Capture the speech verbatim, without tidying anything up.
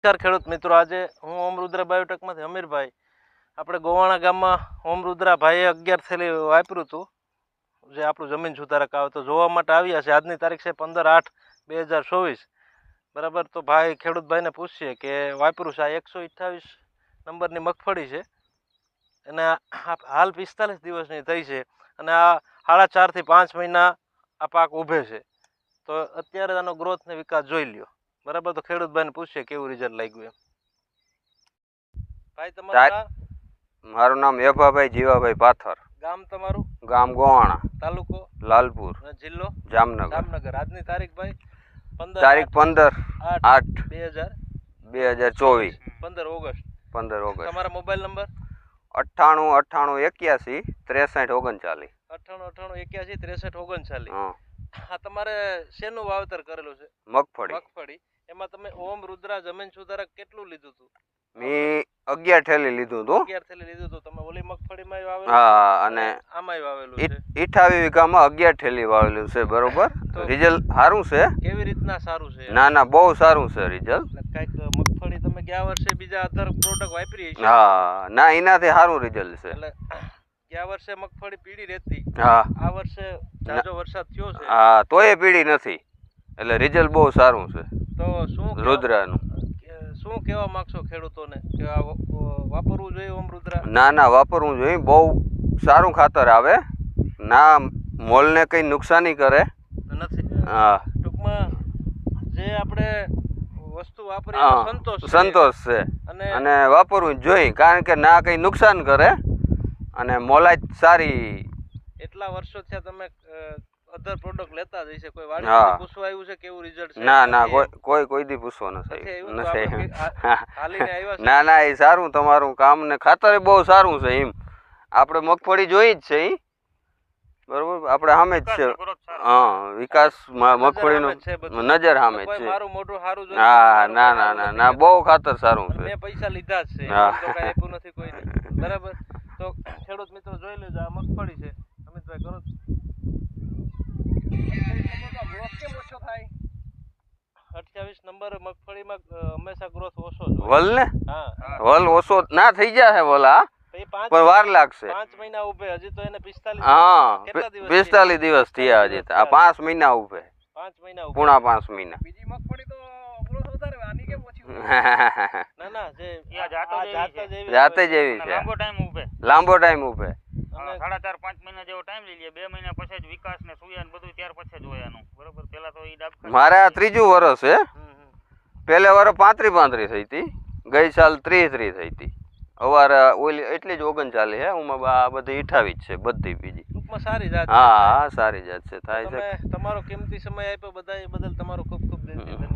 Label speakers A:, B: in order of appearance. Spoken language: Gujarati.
A: નમસ્કાર ખેડૂત મિત્રો, આજે હું ઓમ રુદ્રા બાયોટેકમાંથી અમીરભાઈ આપણે ગોવાણા ગામમાં ઓમ રુદ્રા ભાઈએ અગિયાર થેલી વાપર્યું હતું, જે આપણું જમીન સુધારક આવે તો જોવા માટે આવ્યા છે. આજની તારીખ છે પંદર આઠ બે હજાર ચોવીસ બરાબર. તો ભાઈ ખેડૂતભાઈને પૂછીએ કે વાપર્યું છે આ એકસો અઠ્ઠાવીસ નંબરની મગફળી છે અને હાલ પિસ્તાલીસ દિવસની થઈ છે અને આ સાડા ચારથી પાંચ મહિના આ પાક ઊભે છે. તો અત્યારે આનો ગ્રોથ ને વિકાસ જોઈ લ્યો બરાબર. તો ખેડૂતભાઈને પૂછીએ કેવું રિઝલ્ટ લાગ્યું એમ. ભાઈ તમારું નામ?
B: મારું નામ એભાભાઈ જીવાભાઈ પાથર.
A: ગામ તમારું?
B: ગામ ગોવાણા,
A: તાલુકો
B: લાલપુર,
A: જિલ્લો
B: જામનગર.
A: જામનગર. આજની તારીખ ભાઈ
B: તારીખ પંદર આઠ
A: બે હજાર
B: બે હજાર ચોવીસ
A: પંદર ઓગસ્ટ
B: પંદર ઓગસ્ટ.
A: તમારા મોબાઈલ નંબર?
B: અઠ્ઠાણું અઠ્ઠાણું એક્યાસી ત્રેસઠ ઓગણચાલીસ.
A: અઠ્ઠાણું અઠ્ઠાણું એક્યાસી ત્રેસઠ ઓગણચાલીસ. હા, તમારે શેનું વાવેતર કરેલું છે?
B: મગફળી.
A: મગફળી. એમાં તમે ઓમ રુદ્રા જમીન સુધારક કેટલું લીધું હતું?
B: મેં અગિયાર થેલી લીધું હતું.
A: અગિયાર થેલી લીધું હતું. તમે ઓલી મગફળીમાં વાવેલું?
B: હા, અને
A: આમાંય વાવેલું છે.
B: અઠ્ઠાવીસ વીઘામાં અગિયાર થેલી વાવેલું છે બરોબર. રિઝલ્ટ સારું છે.
A: કેવી રીતના સારું છે?
B: ના ના, બહુ સારું છે રિઝલ્ટ.
A: કઈક મગફળી તમે ગયા વર્ષે બીજા અધર પ્રોડક્ટ વાપરી છે?
B: હા, ના એનાથી સારું રિઝલ્ટ છે.
A: એટલે ગયા વર્ષે મગફળી પીળી રહેતી,
B: હા
A: આ વર્ષે જાજો વરસાદ થયો છે,
B: હા, તોય પીળી નથી, એટલે રિઝલ્ટ બહુ સારું છે.
A: તો શું
B: રુદ્રાનું
A: શું કહેવા માંગશો ખેડૂતોને કે આ વાપરવું જોઈએ ઓમ રુદ્રા?
B: ના ના, વાપરવું જોઈએ. બહુ સારું ખાતર આવે, ના મોલને કંઈ નુકસાની કરે
A: નથી.
B: હા,
A: ટૂંકમાં જે આપણે વસ્તુ વાપરી સંતોષ
B: સંતોષ છે અને વાપરવું જોઈએ, કારણ કે ના કંઈ નુકસાન કરે અને મોલાઈ સારી.
A: એટલા વર્ષો થયા તમે અધર પ્રોડક્ટ લેતા જ હશે, કોઈ વાડી પૂછવા આવ્યું છે કેવું રિઝલ્ટ છે?
B: ના ના, કોઈ કોઈ કોઈ દી પૂછવા નથી. ના ના, એ સારું તમારું કામ ને ખાતર બહુ સારું છે. એમ આપણે મગફળી જોઈ જ છે એ બરોબર, આપણે સામે જ છે. હા, વિકાસ મગફળીનો નજર સામે જ છે.
A: મારું મોટું સારું જોઈએ.
B: હા, ના ના ના ના, બહુ ખાતર સારું છે.
A: મેં પૈસા લીધા જ છે, તો કઈ આપ્યું નથી કોઈને બરાબર. તો ખેડૂત મિત્રો જોઈ લેજો, આ મગફળી છે. અમિતભાઈ કરો અઠ્યાવીસ નંબર મગફળીમાં હંમેશા ગ્રોથ ઓછો
B: વલ ને.
A: હા,
B: વલ ઓછો ના થઈ જાય વલા, પણ વાર લાગશે.
A: પાંચ મહિના ઉભે હજી તો એને પિસ્તાલીસ.
B: હા, પિસ્તાલીસ દિવસ થયા હજી. આ પાંચ મહિના ઉભે.
A: પાંચ મહિના
B: પૂણા પાંચ મહિના.
A: બીજી મગફળી તો ગ્રોથ વધારે, આની કેમ ઓછી? ના ના, જે
B: જાતે જેવી છે.
C: લાંબો ટાઈમ ઉભે
B: લાંબો ટાઈમ ઉભે
C: સાડા ચાર પાંચ મહિના જેવો ટાઈમ લઈ લે. બે મહિના પછી જ વિકાસ ને સુયા ને બધું ત્યાર પછી જ હોય એનું બરોબર. પેલા તો ઈ ડાબ
B: મારે આ ત્રીજું વર્ષ છે. પહેલે વર્ષ પાંત્રી પાંત્રી થઈ હતી, ગઈ સાલ ત્રીસ ત્રીસ થઈ હતી. અવારે ઓલી એટલી જ ઓગણચાલીસ છે. હું આ બધી અઠાવીસ છે બધી બીજી.
A: ટૂંકમાં સારી જાત.
B: હા હા, સારી જાત છે. થાય છે.
A: તમારો કિંમતી સમય આપ્યો બધા બદલ તમારો ખૂબ ખૂબ ધન્યવાદ.